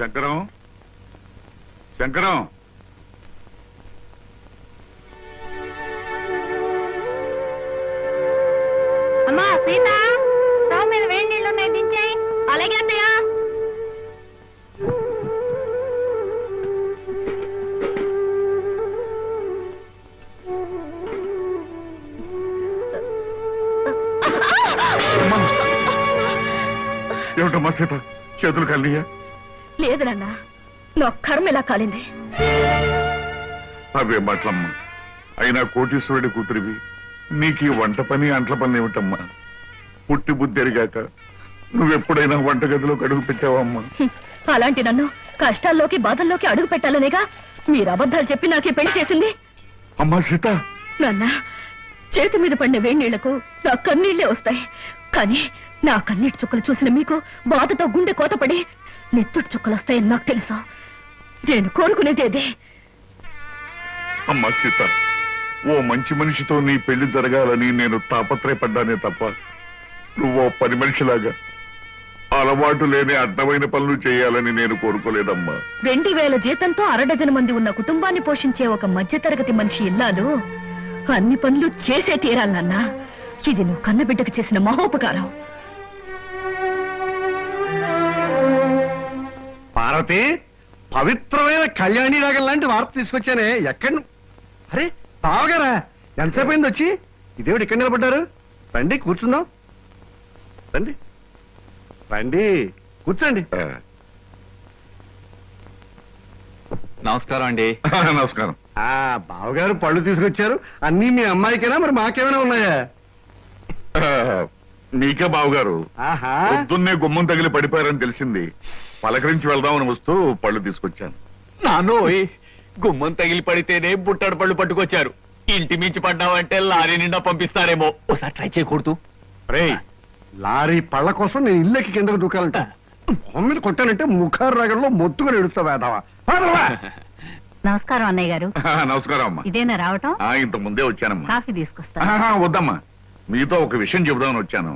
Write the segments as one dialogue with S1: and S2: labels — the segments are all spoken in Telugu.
S1: శంకరం శంకరం
S2: అమ్మా సీత స్టవ్ మీద వేడి నీళ్ళు ఉన్నాయి దించేయి. అలాగే అత్తయ్య.
S1: ఏమిటమ్మా సీత, చేతులు కలియా?
S2: లేదు నాన్న, నా కర్మ ఇలా కాలింది.
S1: అవే మాటలమ్మా. అయినా కోటీశ్వరుడి కూతురివి, నీకు వంట పని అంట్ల పని ఏమిటమ్మా? పుట్టి బుద్ధి ఎరిగాక నువ్వెప్పుడైనా వంటగదిలోకి అడుగు పెట్టావమ్మా?
S2: అలాంటి నన్ను కష్టాల్లోకి బాధల్లోకి అడుగు పెట్టాలనేగా మీరు అబద్ధాలు చెప్పి నాకే పెళ్లి చేసింది.
S1: అమ్మా సీత,
S2: నాన్న, చేతి మీద పడిన వేడి నీళ్లకు నా కన్నీళ్లే వస్తాయి. కానీ నా కన్నీటి చుక్కలు చూసిన మీకు బాధతో గుండె కోతపడి నెత్తుటి చుక్కలు వస్తాయని నాకు తెలుసు. నేను కోరుకునేదేదే.
S1: అమ్మా సీత, ఓ మంచి మనిషితో నీ పెళ్లి జరగాలని నేను తాపత్రయపడ్డానే తప్ప నువ్వో పని మనిషిలాగా అలవాటు లేని అడ్డమైన పనులు చేయాలని నేను కోరుకోలేదమ్మా.
S2: 2000 జీతంతో 6 మంది ఉన్న కుటుంబాన్ని పోషించే ఒక మధ్యతరగతి మనిషి ఇల్లాలు అన్ని పనులు చేసే తీరాలన్నా. ఇది నువ్వు కన్నబిడ్డకు చేసిన మహోపకారం.
S3: పార్వతి, పవిత్రమైన కళ్యాణి రాగం లాంటి వార్త తీసుకొచ్చానే. ఎక్కడ? అరే బావగారా, ఎంతసేపు అయింది వచ్చి? ఇదేమిటి ఇక్కడ నిలబడ్డారు? రండి కూర్చుందాం. రండి రండి కూర్చోండి.
S4: నమస్కారం అండి.
S1: నమస్కారం.
S3: బావగారు పళ్ళు తీసుకొచ్చారు. అన్నీ మీ అమ్మాయికైనా, మరి మాకేమైనా ఉన్నాయా?
S1: మీకే బావగారు.
S3: ఆహా,
S1: పొద్దున్నే గుమ్మం తగిలి పడిపోయారని తెలిసింది. పలకరించి వెళ్దామని వస్తూ పళ్ళు తీసుకొచ్చాను.
S4: నాన్నోయ్, గుమ్మం తగిలి పడితేనే బుట్టడు పళ్ళు పట్టుకొచ్చారు. ఇంటి మించి పడ్డావంటే లారీ నిండా పంపిస్తారేమో. ఒకసారి ట్రై చేయకూడదు.
S3: రే, లారీ పళ్ళ కోసం నేను ఇల్లెక్కి కిందకు దూకాలంట. మొహం మీద కొట్టానంటే ముఖారు రాగంలో మొత్తుగా ఎడుస్తావా వేదావా?
S2: నమస్కారం అన్నయ్య గారు.
S1: నమస్కారం అమ్మా.
S2: ఇదేనా రావటం?
S1: ఇంత ముందే వచ్చానమ్మా.
S2: కాఫీ తీసుకొస్తా.
S1: వద్దమ్మా, మీతో ఒక విషయం చెబుదామని వచ్చాను.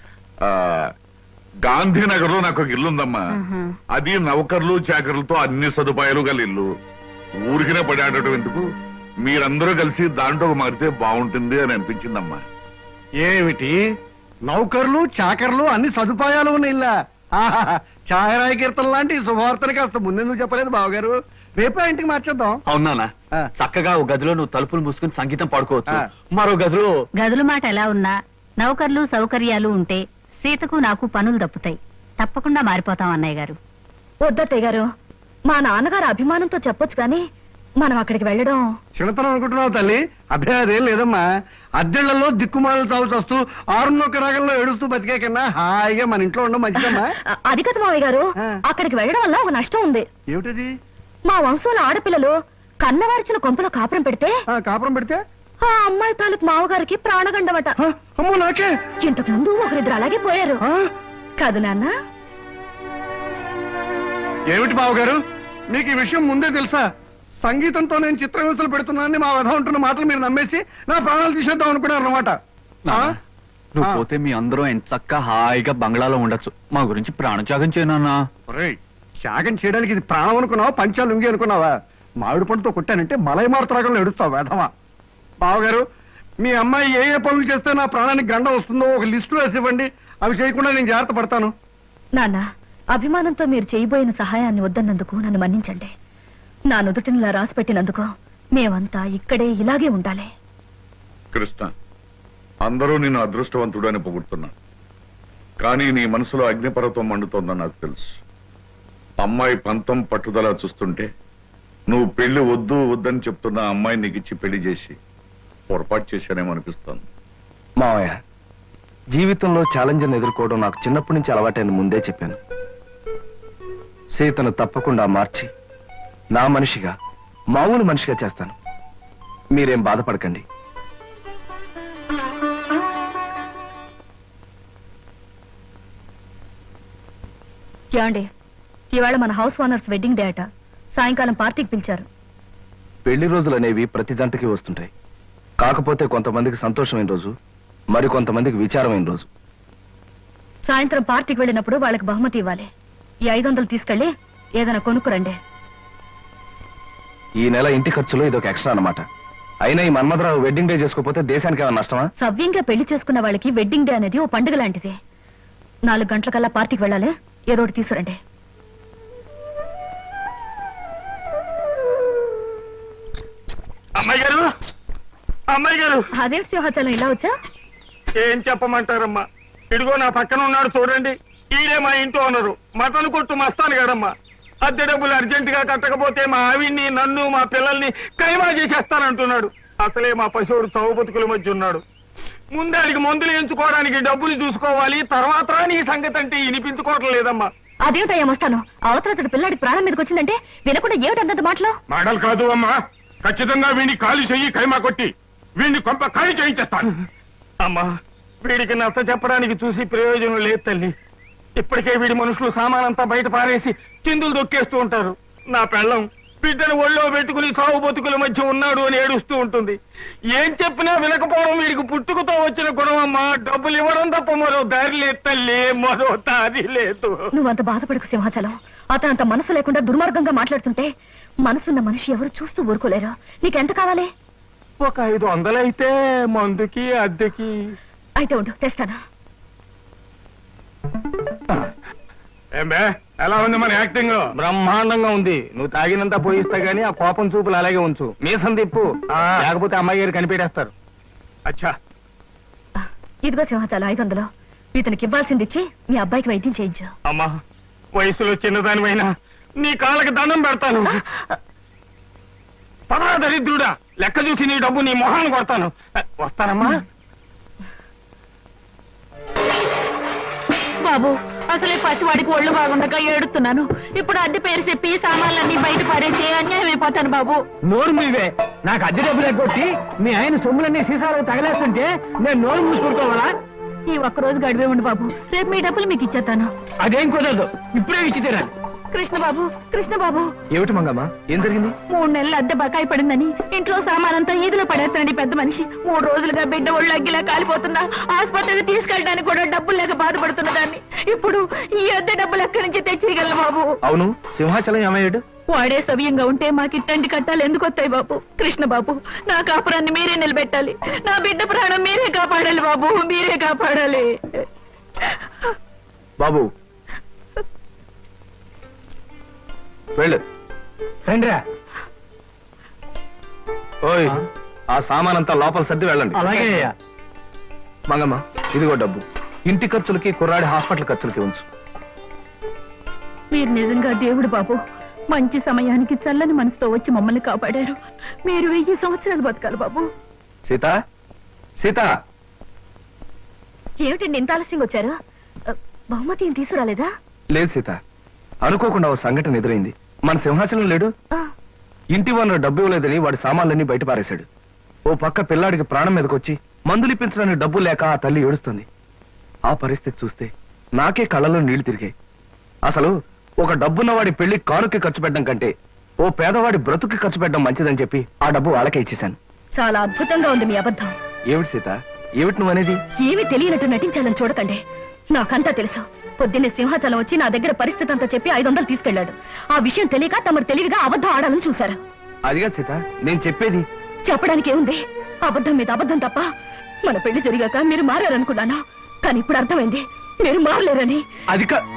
S1: గాంధీనగర్ లో నాకు ఒక ఇల్లు ఉందమ్మా. అది నౌకర్లు చాకర్లతో అన్ని సదుపాయాలు గల ఇల్లు. ఊరికినే పడాడటం ఎందుకు, మీరందరూ కలిసి దాంట్లో మారితే బాగుంటుంది అని అనిపించిందమ్మా.
S3: ఏమిటి, నౌకర్లు చాకర్లు అన్ని సదుపాయాలు ఉన్న ఇల్లా? ఛాయరాయి కీర్తన లాంటి శుభవార్తని కాస్త ముందెందుకు చెప్పలేదు బావగారు? రేపే ఇంటికి మార్చేద్దాం.
S4: అవునా? చక్కగా ఒక గదిలో నువ్వు తలుపులు మూసుకుని సంగీతం పాడుకోవచ్చు. మరో గదిలో
S2: గదుల మాట ఎలా ఉన్నా నౌకర్లు సౌకర్యాలు ఉంటే సీతకు నాకు పనులు తప్పుతాయి. తప్పకుండా మారిపోతాం అన్నయ్య గారు. వద్దత్తయ్య గారు, మా నాన్నగారు అభిమానంతో చెప్పొచ్చు కానీ మనం అక్కడికి వెళ్ళడం
S3: చిన్నతనం అనుకుంటున్నావు తల్లి. అభ్యాదేం లేదమ్మా. అద్దెళ్లలో దిక్కుమాలను చావు చస్తూ 6 రాగంలో ఏడుస్తూ బతికే కన్నా హాయిగా మన ఇంట్లో ఉండడం మంచిదమ్మా.
S2: అది కదా మావయ్య గారు, అక్కడికి వెళ్ళడం వల్ల ఒక నష్టం ఉంది.
S3: ఏమిటది?
S2: మా వంశంలో ఆడపిల్లలు కన్నవారిచిన కొంపలో కాపురం పెడితే
S3: కాపురం పెడితే
S2: ఆ అమ్మాయి తాలూకు మావగారికి ప్రాణగండమట.
S3: అమ్మో నాకే.
S2: ఇంతకు ముందు ఒకరిద్దరు అలాగే పోయారు కాదు నాన్న?
S3: ఏమిటి బావగారు, మీకు ఈ విషయం ముందే తెలుసా? సంగీతంతో నేను చిత్రహింసలు పెడుతున్నానని మా వధ ఉంటున్న మాటలు మీరు నమ్మేసి నా ప్రాణాలు తీసేద్దాం అనుకున్నారు అన్నమాట.
S4: నువ్వు పోతే మీ అందరూ ఎంచక్కా హాయిగా బంగ్లాలో ఉండొచ్చు. మా గురించి ప్రాణత్యాగం చేయనన్నా.
S3: త్యాగం చేయడానికి ఇది ప్రాణం అనుకున్నావా, పంచాలు ఉంగి అనుకున్నావా? మామిడి పండుతో కొట్టానంటే మలై మారుతరాగంలో ఎడుస్తావు వేధవా. బావగారు, మీ అమ్మాయి ఏ ఏ పనులు చేస్తే నా ప్రాణానికి గండం వస్తుందో ఒక లిస్టు వేసి ఇవ్వండి. అవి చేయకుండా నేను జాగ్రత్త పడతాను.
S2: నాన్న, అభిమానంతో మీరు చేయబోయిన సహాయాన్ని వద్దన్నందుకు నన్ను మన్నించండి. నా నుదుటినిలా రాసి పెట్టినందుకు మేమంతా ఇక్కడే ఇలాగే ఉండాలి.
S1: కృష్ణ, అందరూ నిన్ను అదృష్టవంతుడు అని పొగుడుతున్నా, కానీ నీ మనసులో అగ్నిపర్వతం మండుతోందని నాకు తెలుసు. అమ్మాయి పంతం పట్టుదల చూస్తుంటే నువ్వు పెళ్లి వద్దు వద్దని చెప్తున్న అమ్మాయి నీకు ఇచ్చి పెళ్లి చేసి పొరపాటు చేశానేమో అనిపిస్తాను.
S5: మావయ్య, జీవితంలో ఛాలెంజ్ని ఎదుర్కోవడం నాకు చిన్నప్పటి నుంచి అలవాటైన ముందే చెప్పాను. సీతను తప్పకుండా మార్చి నా మనిషిగా, మామూలు మనిషిగా చేస్తాను. మీరేం బాధపడకండి.
S2: ఏమండి, ఇవాళ మన హౌస్ ఓనర్స్ వెడ్డింగ్ డే అట. సాయంకాలం పార్టీకి పిలిచారు.
S5: పెళ్లి రోజులు అనేవి ప్రతి జంటకి వస్తుంటాయి. కాకపోతే కొంతమందికి సంతోషమైన రోజు, మరి కొంతమందికి విచారమైన రోజు.
S2: సాయంత్రం పార్టీకి వెళ్ళినప్పుడు వాళ్ళకి బహుమతి ఇవ్వాలి. ఈ 500 తీసుకెళ్లి ఏదైనా కొనుక్కురండి.
S5: ఈ నెల ఇంటి ఖర్చులో ఇదొక ఎక్స్ట్రా అన్నమాట. అయినా ఈ మన్మధరావు వెడ్డింగ్ డే చేసుకోకపోతే దేశానికి ఏమైనా నష్టమా?
S2: సవ్యంగా పెళ్లి చేసుకున్న వాళ్ళకి వెడ్డింగ్ డే అనేది ఓ పండుగ లాంటిది. 4 గంటలకల్లా పార్టీకి వెళ్ళాలి. ఏదో ఒకటి తీసుకురండి.
S3: అమ్మాయి గారు, అమ్మాయి గారు.
S2: అదేంటి సింహాచలం ఇలా వచ్చా?
S3: ఏం చెప్పమంటారమ్మా, ఇదిగో నా పక్కన ఉన్నాడు చూడండి, ఈడే మా ఇంటి ఓనరు, మటన్ కొట్టు మస్తాను గారమ్మా. అద్దె డబ్బులు అర్జెంట్ గా కట్టకపోతే మా ఆవిడ్ని, నన్ను, మా పిల్లల్ని కైమా చేసేస్తానంటున్నాడు. అసలే మా పశువుడు చౌ బతుకుల మధ్య ఉన్నాడు. ముందాడికి మందులు ఎంచుకోవడానికి డబ్బులు చూసుకోవాలి, తర్వాత నీ సంగతి అంటే వినిపించుకోవటం లేదమ్మా.
S2: అదేమిటయ్యా వస్తాను. అవతల పిల్లాడికి ప్రాణం మీదకి వచ్చిందంటే వినకుండా ఏమిటంత మాటలు?
S1: మాటలు కాదు అమ్మా, ఖచ్చితంగా వీడిని ఖాళీ చెయ్యి, కైమా కొట్టి వీడిని కొంప ఖాళీ చేయించేస్తాను.
S3: అమ్మా, వీడికి నచ్చ చెప్పడానికి చూసి ప్రయోజనం లేదు తల్లి. ఇప్పటికే వీడి మనుషులు సామానంతా బయట పారేసి చిందులు దొక్కేస్తూ ఉంటారు. నా పెళ్ళం బిడ్డను ఒళ్ళో పెట్టుకుని సాగు బతుకుల మధ్య ఉన్నాడు అని ఏడుస్తూ ఉంటుంది. ఏం చెప్పినా వినకపోవడం వీడికి పుట్టుకతో వచ్చిన గుణం అమ్మా. డబ్బులు ఇవ్వడం తప్ప మరో దారి లేదు తల్లి, మరో దారి లేదు.
S2: నువ్వంత బాధపడకు సింహాచలం. అతను అంత మనసు లేకుండా దుర్మార్గంగా మాట్లాడుతుంటే మనసున్న మనిషి ఎవరు చూస్తూ ఊరుకోలేరు. నీకెంత కావాలి?
S3: ఒక 500 అయితే మందుకి అద్దెకి.
S2: అయితే ఉండు, తెస్తాను.
S1: ఏమే ఎలా ఉంది మన యాక్టింగ్?
S3: బ్రహ్మాండంగా ఉంది. నువ్వు తాగినంత పోయిస్తా గానీ ఆ కోపం చూపులు అలాగే ఉంచు. మీసం తిప్పు, లేకపోతే అమ్మాయి గారు కనిపెట్టేస్తారు.
S1: అచ్చా,
S2: ఇదిగో సింహాచలం 500. ఇతనికి ఇవ్వాల్సింది ఇచ్చి మీ అబ్బాయికి వైద్యం చేయించు.
S3: అమ్మా, వయసులో చిన్నదానివైనా నీ కాళ్ళకి దండం పెడతాను. పదా దరిద్రుడా, లెక్క చూసి నీ డబ్బు నీ మొహాన్ని కొడతాను. వస్తానమ్మా.
S2: బాబు, అసలే పసివాడికి ఒళ్ళు బాగుండగా ఏడుతున్నాను. ఇప్పుడు అద్దె పేరు చెప్పి సామాన్లన్నీ బయట పడేసి అన్యాయం అయిపోతాను బాబు.
S3: నోరు మీవే. నాకు అద్దె డబ్బులు ఎగ్గొట్టి మీ ఆయన సొమ్ములన్నీ సీసాలు తగలేస్తుంటే నేను నోరు మూసుకుంటావాలా?
S2: ఈ ఒక్కరోజు గడివే ఉండి బాబు, రేపు మీ డబ్బులు మీకు ఇచ్చేస్తాను.
S3: అదేం కుదరదు, ఇప్పుడే ఇచ్చి తీరాలి.
S2: కృష్ణబాబు, కృష్ణబాబు.
S5: ఏమిటి మంగమ్మ, ఏం జరిగింది?
S2: 3 నెలలు అద్దె బకాయి పడిందని ఇంట్లో సామానంతా ఈదులో పడేస్తానండి పెద్ద మనిషి. 3 రోజులుగా బిడ్డ ఒళ్ళు అగ్గిలా కాలిపోతున్నా ఆసుపత్రికి తీసుకెళ్ళడానికి కూడా డబ్బులు లేక బాధపడుతున్న దాన్ని ఇప్పుడు ఈ అద్దె డబ్బులు ఎక్కడి నుంచి తెచ్చేయగలను బాబు?
S5: అవును, సింహాచలం ఏమయ్యాడు?
S2: వాడే సవ్యంగా ఉంటే మాకు ఇట్టండి కట్టాలి ఎందుకు వస్తాయి బాబు? కృష్ణబాబు, నా కాపురాన్ని మీరే నిలబెట్టాలి. నా బిడ్డ ప్రాణం మీరే కాపాడాలి బాబు, మీరే కాపాడాలి.
S5: బాబు వెళ్ళు.
S3: రండిరా.
S5: ఓయ్, ఆ సామానంతా లోపల సర్ది వెళ్ళండి.
S3: అలాగే.
S5: మంగమ్మ, ఇదిగో డబ్బు. ఇంటి ఖర్చులకి, కుర్రాడి హాస్పిటల్ ఖర్చులకి ఉంచు.
S2: మీరు నిజంగా దేవుడు బాబు. మంచి సమయానికి చల్లని మనసుతో వచ్చి మమ్మల్ని కాపాడారు. మీరు 1000 సంవత్సరాలు బతకాలి బాబు.
S5: సీత, సీత.
S2: ఏమిటండి ఇంత ఆలస్యంగా వచ్చారు? బహుమతి ఏం తీసుకురాలేదా?
S5: లేదు సీత, అనుకోకుండా ఓ సంఘటన ఎదురైంది. మన సింహాచలం లేడు, ఇంటి ఓనర్ డబ్బు ఇవ్వలేదని వాడి సామాన్లన్నీ బయట పారేశాడు. ఓ పక్క పిల్లాడికి ప్రాణం మీదకొచ్చి మందులు ఇప్పించడానికి డబ్బు లేక ఆ తల్లి ఏడుస్తుంది. ఆ పరిస్థితి చూస్తే నాకే కళ్ళలో నీళ్లు తిరిగాయి. అసలు ఒక డబ్బున్నవాడి పెళ్లి కానుకి ఖర్చు పెట్టడం కంటే ఓ పేదవాడి బ్రతుకి ఖర్చు పెట్టడం మంచిదని చెప్పి ఆ డబ్బు వాళ్ళకే ఇచ్చేశాను.
S2: చాలా అద్భుతంగా ఉంది మీ అబద్ధం.
S5: ఏమిటి సీత, ఏమిటి నువ్వనేది?
S2: ఏమీ తెలియనట్టు నటించాలని చూడకండి. నాకంతా తెలుసు. పొద్దున్నే సింహాచలం వచ్చి నా దగ్గర పరిస్థితి అంతా చెప్పి 500 తీసుకెళ్లాడు. ఆ విషయం తెలియక తమరు తెలివిగా అబద్ధం ఆడాలని చూశారు.
S5: అదిగా సీత నేను చెప్పేది.
S2: చెప్పడానికి ఏముంది? అబద్ధం మీద అబద్ధం తప్ప. మన పెళ్లి జరిగాక మీరు మారారనుకున్నాను, కానీ ఇప్పుడు అర్థమైంది మీరు మారలేరని.
S5: అది